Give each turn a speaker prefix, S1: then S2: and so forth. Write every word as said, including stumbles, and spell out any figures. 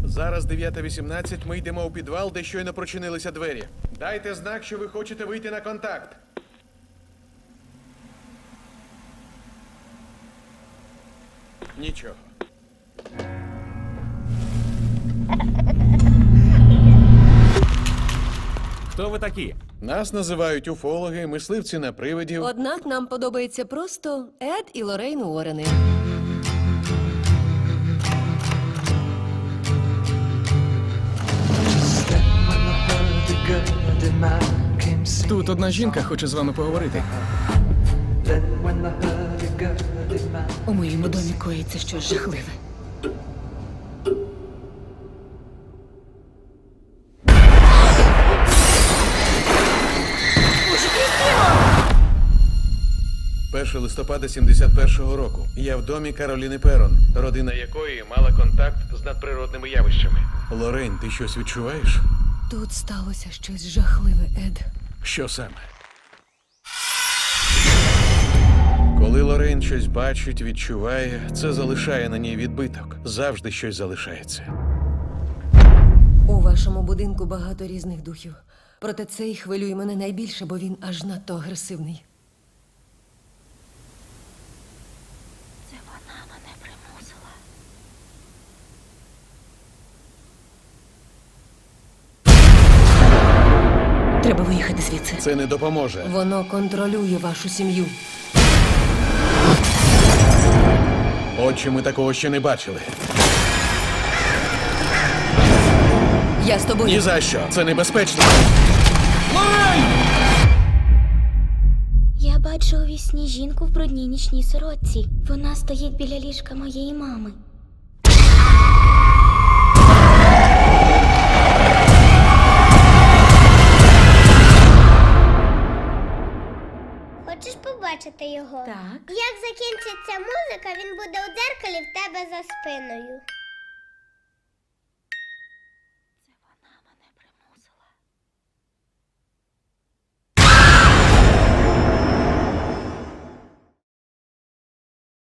S1: Зараз дев'ята вісімнадцять, ми йдемо у підвал, де щойно прочинилися двері. Дайте знак, що ви хочете вийти на контакт. Нічого.
S2: Хто ви такі?
S1: Нас називають уфологи, мисливці на привидів.
S3: Однак нам подобається просто Ед і Лоррейн Уоррени.
S4: Тут одна жінка хоче з вами поговорити.
S5: У моєму домі коїться щось жахливе.
S1: першого листопада сімдесят першого року. Я в домі Кароліни Перон, родина якої мала контакт з надприродними явищами. Лоррейн, ти щось відчуваєш?
S3: Тут сталося щось жахливе, Ед.
S1: Що саме? Коли Лоррейн щось бачить, відчуває, це залишає на ній відбиток. Завжди щось залишається.
S3: У вашому будинку багато різних духів. Проте цей хвилює мене найбільше, бо він аж надто агресивний.
S6: Це вона мене примусила.
S5: Треба виїхати звідси.
S1: Це не допоможе.
S3: Воно контролює вашу сім'ю.
S1: Отче, ми такого ще не бачили.
S3: Я з тобою.
S1: Ні за що. Це небезпечно.
S6: Я бачу у вісні жінку в брудній нічній сорочці. Вона стоїть біля ліжка моєї мами.
S7: Хочеш побачити його?
S6: Так.
S7: Як закінчиться музика, він буде у дзеркалі в тебе за спиною.